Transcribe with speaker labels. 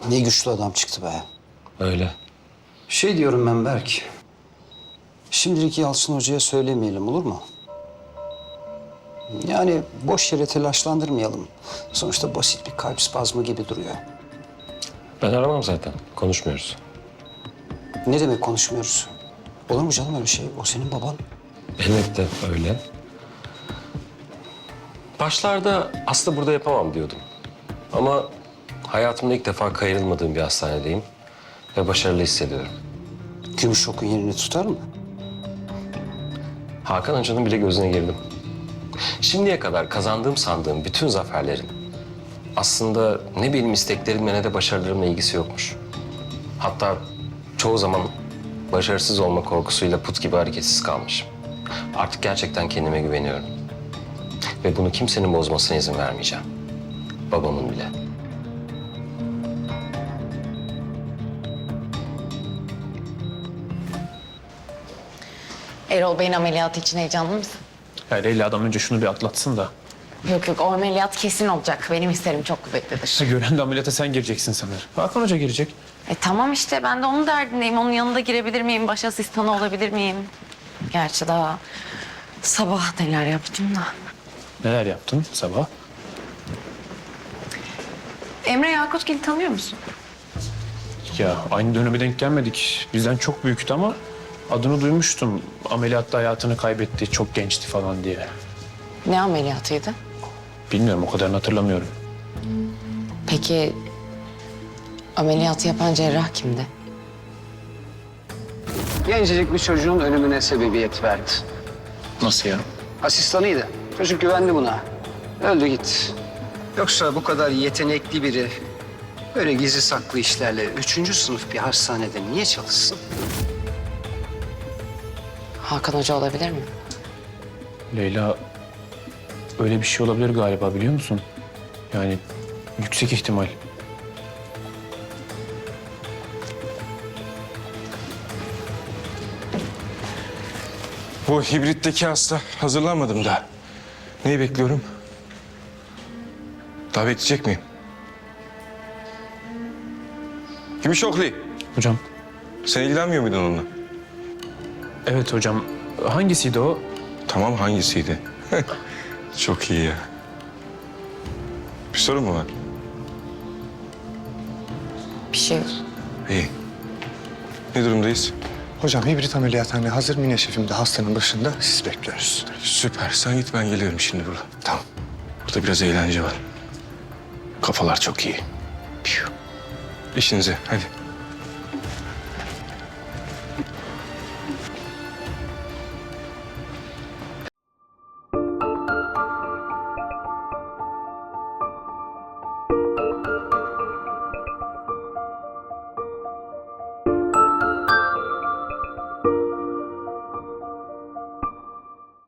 Speaker 1: Ne güçlü adam çıktı be.
Speaker 2: Öyle.
Speaker 1: Şey diyorum ben Berk. Şimdilik Yalçın Hoca'ya söylemeyelim, olur mu? Yani boş yere telaşlandırmayalım. Sonuçta basit bir kalp spazmı gibi duruyor.
Speaker 2: Ben aramam zaten. Konuşmuyoruz.
Speaker 1: Ne demek konuşmuyoruz? Olur mu canım öyle şey? O senin baban.
Speaker 2: Elbette öyle. Başlarda aslında burada yapamam diyordum. Ama hayatımda ilk defa kayırılmadığım bir hastanedeyim. Ve başarılı hissediyorum.
Speaker 1: Gümüşok'un yerini tutar mı?
Speaker 2: Hakan Hoca'nın bile gözüne girdim. Şimdiye kadar kazandığım sandığım bütün zaferlerin aslında ne benim isteklerimle ne de başarılarımla ilgisi yokmuş. Hatta çoğu zaman başarısız olma korkusuyla put gibi hareketsiz kalmışım. Artık gerçekten kendime güveniyorum. Ve bunu kimsenin bozmasına izin vermeyeceğim. Babamın bile.
Speaker 3: Erol Bey'in ameliyatı için heyecanlı mısın?
Speaker 4: Ya Leyla'dan önce şunu bir atlatsın da.
Speaker 3: Yok yok, o ameliyat kesin olacak. Benim hislerim çok kuvvetlidir.
Speaker 4: Gören de ameliyata sen gireceksin sanır. Hakan Hoca girecek.
Speaker 3: Tamam işte, ben de onun derdindeyim. Onun yanında girebilir miyim? Baş asistanı olabilir miyim? Gerçi daha sabah neler yaptım da.
Speaker 4: Neler yaptın sabah?
Speaker 3: Emre Yakutgil'i tanıyor musun?
Speaker 4: Ya aynı döneme denk gelmedik. Bizden çok büyüktü ama adını duymuştum. Ameliyatta hayatını kaybetti, çok gençti falan diye.
Speaker 3: Ne ameliyatıydı?
Speaker 4: Bilmiyorum, o kadarını hatırlamıyorum.
Speaker 3: Peki ameliyatı yapan cerrah kimdi?
Speaker 1: Gencecik bir çocuğun ölümüne sebebiyet verdi.
Speaker 4: Nasıl ya?
Speaker 1: Asistanıydı. Çocuk güvendi buna. Öldü gitti. Yoksa bu kadar yetenekli biri böyle gizli saklı işlerle 3. sınıf bir hastanede niye çalışsın?
Speaker 3: Hakan Hoca olabilir mi?
Speaker 4: Leyla, öyle bir şey olabilir galiba, biliyor musun? Yani yüksek ihtimal.
Speaker 5: Bu hibritteki hasta hazırlanmadım daha. Neyi bekliyorum? Daha bekleyecek miyim? Gümüşoklu,
Speaker 4: Hocam,
Speaker 5: sen ilgilenmiyor muydun onunla?
Speaker 4: evet hocam. Hangisiydi o?
Speaker 5: Tamam, hangisiydi? Çok iyi ya. Bir sorun mu var?
Speaker 3: Bir şey yok.
Speaker 5: İyi. Ne durumdayız?
Speaker 6: Hocam hibrit ameliyathane hazır. Mine şefim de hastanın başında. Siz bekliyoruz.
Speaker 5: Süper. Sen git, ben geliyorum şimdi burada. Tamam. Burada biraz eğlence var. Kafalar çok iyi. Piyu. İşinize hadi.